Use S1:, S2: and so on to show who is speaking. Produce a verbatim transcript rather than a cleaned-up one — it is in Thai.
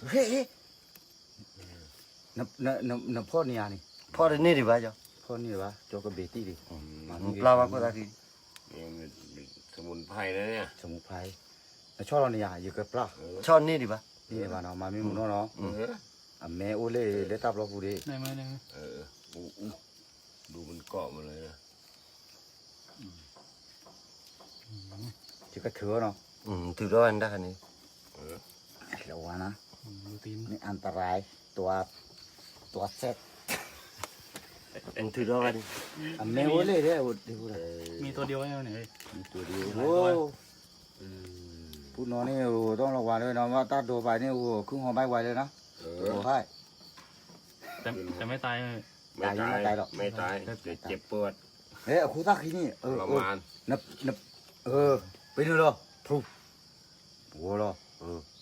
S1: เฮ้ยนับนับนับนับพ่อเนี่ยนี่
S2: พ่อเดี๋ยวนี้ดีป่ะจ๊ะ
S1: พ่อนี่วะจอกระเบตี้ดิ
S2: ปลาวาก็ได้ที
S3: นี่มันสมุนไพรนะเนี่ย
S1: สมุนไพรแล้วชอบเราเนี่ยอยู่กับปลา
S2: ช้อนนี่ดีป่ะ
S1: นี่บ้านเรามาไม่มุนเนาะ
S3: เออ
S1: อ่ะแม่โอเล่เล็ดตับเราพูดดิ
S4: ได้ไหมได้ไหม
S3: เอออู้อู้ดูมันเกาะมาเลยนะ
S1: จะกระเถือเนาะ
S2: อืมถือร้อนได้คันนี้
S3: เออ
S1: ระวังนะ
S4: ดูตีน
S1: นี่อันตรายตัวตัวเซ็ต
S2: อืมถือร้อน
S1: อ่ะแม่โอเล่เด้อเดี๋ยวพูดเลย
S4: มีตัวเดียวไว้ไหนเอ้ย
S1: มีตัวเดียวโอ้พูดน้องนี่โอ้ต้องระวังด้วยนะว่าตัดโดนไปนี่โอ้ครึ่งหัวไม่ไหวเลยนะ
S3: เอ
S1: โอ้
S3: อ
S1: ให้
S4: แต่แต่ไม่ตายเลย
S3: ไม่ตาย
S1: ไม่ตายหรอก
S3: ไม่ตายแต่เจ็บปวด
S1: เฮ้ยครูตักที่นี่เอ
S3: ท
S1: อ
S3: ร
S1: เออ
S3: มาน
S1: นับนับเออไปดูเหรอทุบหัวเหรอเออ